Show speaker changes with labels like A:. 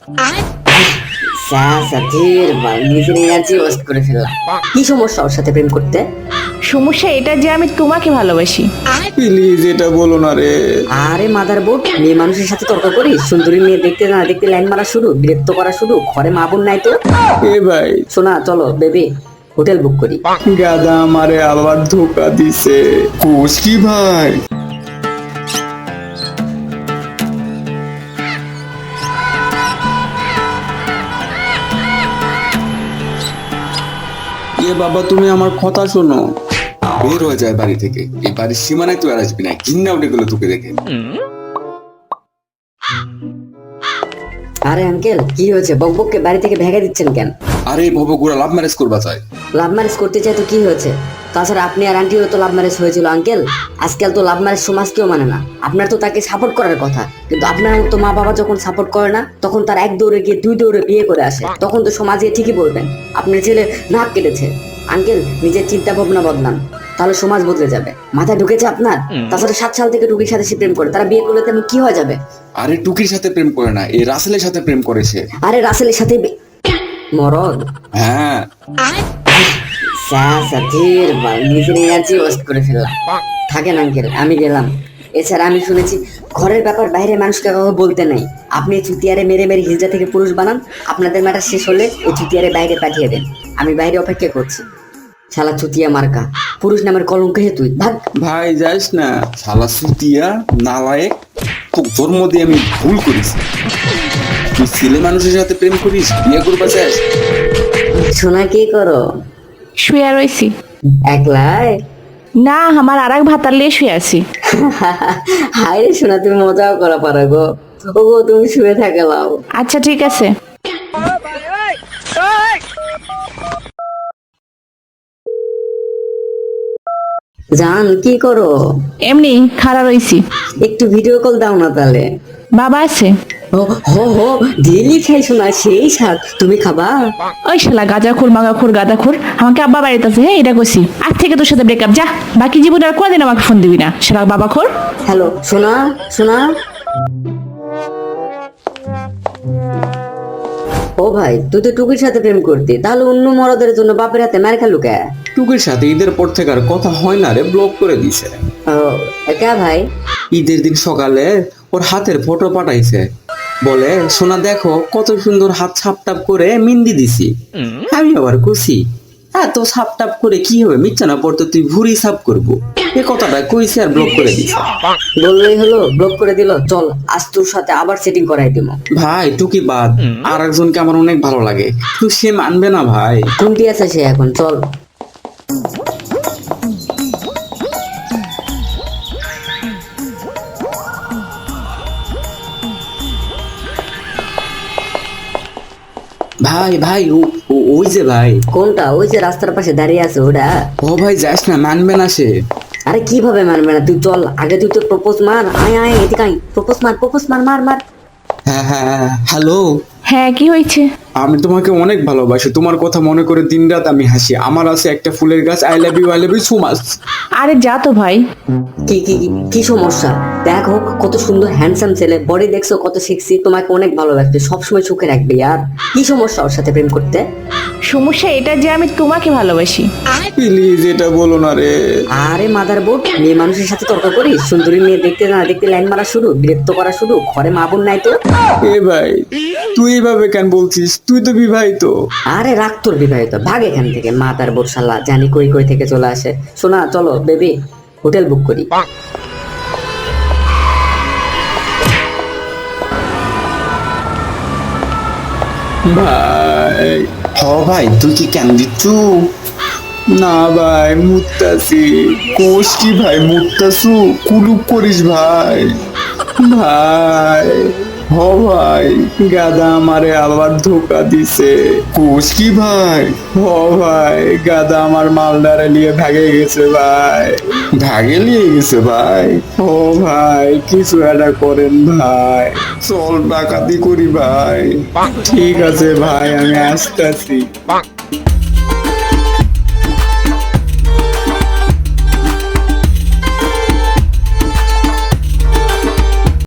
A: নিজের energy waste করে ফেললাম। কি সমস্যা ওর সাথে প্রেম করতে?
B: সমস্যা এটা যে আমি তোমাকে ভালোবাসি।
C: প্লিজ এটা বলো না রে।
A: আরে মাদার বোর্ড, মেয়ে মানুষের সাথে তর্ক করিস? সুন্দরী মেয়ে দেখতে না দেখতে লাইন মারা শুরু, বিরক্ত করা শুরু। ঘরে মা বোন নাই তো?
C: এ ভাই,
A: শোনা, চলো বেবি হোটেল বুক করি।
C: গাদা আমারে আবার ধোকা দিছে। কোষ কি ভাই? বাবা তুমি আমার কথা শোনো।
D: বের হয়ে যায় বাড়ি থেকে, এই বাড়ির সীমানায় তুই আর আসবি না। ঘৃণা উঠে গেলো তোকে দেখে।
A: আরে আঙ্কেল, কি হয়েছে? বকবককে বাড়ি থেকে ভেঙে দিচ্ছেন কেন?
D: আরে ভবগুড়া লাভ ম্যারেজ করবা চাই।
A: লাভ ম্যারেজ করতে চাই তো কি হয়েছে? তাছাড়া আপনি আর আন্টিও তো লাভ ম্যারেজ হয়েছিল আঙ্কেল। আজকাল তো লাভ ম্যারেজ সমাজ কেউ মানে না। আপনার তো তাকে সাপোর্ট করার কথা, কিন্তু আপনার তো মা বাবা যখন সাপোর্ট করে না, তখন তার এক দৌড়ে গিয়ে দুই দৌড়ে বিয়ে করে আসে। তখন তো সমাজে ঠিকই বলবেন আপনার ছেলে নাক কেটেছে। আঙ্কেল, নিজের চিন্তা ভাবনা বদলান, তাহলে সমাজ বদলে যাবে। মাথায় ঢুকেছে আপনার? তাছাড়া 7 সাল থেকে টুকির সাথে সে প্রেম করে, তারা বিয়ে করলে তেমন কি হয়ে যাবে?
D: আরে টুকির সাথে প্রেম করে না, এই রাসেলের সাথে প্রেম করেছে।
A: আরে রাসেলের সাথে মরদ?
D: হ্যাঁ,
A: নিজের এনার্জি ওয়েস্ট করে ফেললাম। থাকেন আঙ্কেল, আমি গেলাম। এছাড়া আমি শুনেছি ঘরের ব্যাপার বাইরে মানুষকে কাউকে বলতে নাই। আপনি চুতিয়ারে মেরে মেরে হিজড়া থেকে পুরুষ বানান। আপনাদের ম্যাটার শেষ হলে এই চুতিয়ারে বাইরে পাঠিয়ে দেন। আমি বাইরে অপেক্ষা করছি। শালা চুতিয়া মার্কা, পুরুষ নামের কলঙ্ক হে তুই, ভাগ।
C: ভাই যাস না।
D: শালা সুতিয়া নালায়েক, তো জন্ম দিয়ে আমি ভুল করেছি। তুই ছেলে মানুষের সাথে প্রেম করিস, বিয়ে করবা চাস?
A: শোনা, কি করো?
B: শুয়ে রয়েছি।
A: একলাই?
B: না, আমার আর এক ভাতার লিয়ে শুয়ে আছি।
A: হাই রে শোনা, তুমি মজাও করা পারো গো। ও গো, তুমি শুয়ে থাকে লাও।
B: আচ্ছা ঠিক আছে।
A: জান, কি করো?
B: এমনি খাড়া রইছি।
A: একটু ভিডিও কল দাও না তাহলে।
B: বাবা আছে?
A: ও হো হো, ডেলি খাই শোনা, সেই স্বাদ। তুমি খাবা?
B: ওই শালা গাঁজাখোর মাগাখোর গাঁদাখোর, আমাকে আব্বা বাড়িতে আছে। হ্যাঁ, এটা কইছি। আজ থেকে তোর সাথে ব্রেকআপ, যা। বাকি জীবনে আর কোনদিন আমাকে ফোন দিবি না, শালা বাবাখোর।
A: হ্যালো সোনা, সোনা। ও ভাই, তুই তো টুকির সাথে প্রেম করতি, তাহলে অন্য মরদের জন্য বাপের হাতে মার খেলু কে?
C: টুকির সাথে ঈদের পর থেকে আর কথা হয় না রে, ব্লক করে দিছে।
A: ও একা ভাই?
C: ঈদের দিন সকালে ওর হাতের ফটো পাঠাইছে, বলে সোনা দেখো কত সুন্দর হাত ছাপটাপ করে মেহেন্দি দিছি। আমি আবার খুশি, এত ছাপটাপ করে কি হবে, মিথ্যা না পড়তে তুই ভুরি সাপ করবো, এ কথাটা কইছে আর ব্লক করে দিছে।
A: বললেই হলো, ব্লক করে দিল। চল আজ তোর সাথে আবার সেটিং করাই দিব।
C: ভাই টুকি বাদ, আর একজনকে আমার অনেক ভালো লাগে, তুই সে মানবে না ভাই।
A: কোনটি আছে সে এখন? চল।
C: ভাই ভাই ওই যে ভাই।
A: কোনটা? ওই যে রাস্তার পাশে দাঁড়িয়ে আছে ওটা?
C: ও ভাই যাস না, মানবে না সে।
A: আরে কিভাবে মানবে না? তুই চল আগে, তুই তো প্রপোজ মার। আয় আয় এদিকে আয়, প্রপোজ মার, প্রপোজ মার, মার মার।
C: হ্যাঁ হ্যাঁ হ্যালো,
B: হ্যাঁ, কি হয়েছে?
C: আমি তোমাকে অনেক ভালোবাসি, তোমার কথা মনে করে দিন রাত আমি হাসি। আমার আছে একটা ফুলের গাছ, I love you so much.
B: আরে যা তো ভাই।
A: কি কি কি সমস্যা? দেখো কত সুন্দর হ্যান্ডসাম ছেলে, বডি দেখছো কত সেক্সি, তোমাকে অনেক ভালোবাসবে, সবসময় সুখে রাখবে। আর কি সমস্যা ওর সাথে প্রেম করতে?
B: সমস্যা এটা যে আমি তোমাকে ভালোবাসি।
C: প্লিজ এটা বলো না রে।
A: আরে মাদার বোর্ড, মেয়ে মানুষের সাথে তর্ক করিস? সুন্দরী মেয়ে দেখতে না দেখতে লাইন মারা শুরু, বিরক্ত করা শুরু। ঘরে মা বোন নাই তো?
C: এ ভাই, তুই এইভাবে কেন বলছিস? তুই তো বিবাহিত।
A: আরে রাখ তোর বিবাহিত, ভাগ এখান থেকে। মাদার বোর্ড শালা জানি কই কই থেকে চলে আসে। শোনা, চলো বেবি হোটেল বুক করি।
C: ভাই
D: ভাই তুই কি কেন দিচ্ছু?
C: না ভাই, মুত্তাসি। কোষ কি ভাই, মুত্তাসু? কুলুপ করিস ভাই। ভাই ভাই, গাদা আমারে আবার ধোকা দিছে। কোষ কি ভাই? ভাই গাদা আমার মালদারে নিয়ে ভাগে গেছে ভাই।
D: ভাগে নিয়ে গেছে ভাই?
C: ভাই কিছু একটা করেন ভাই, চল ডাকাতি করি ভাই। ঠিক আছে ভাই, আমি আসতেছি।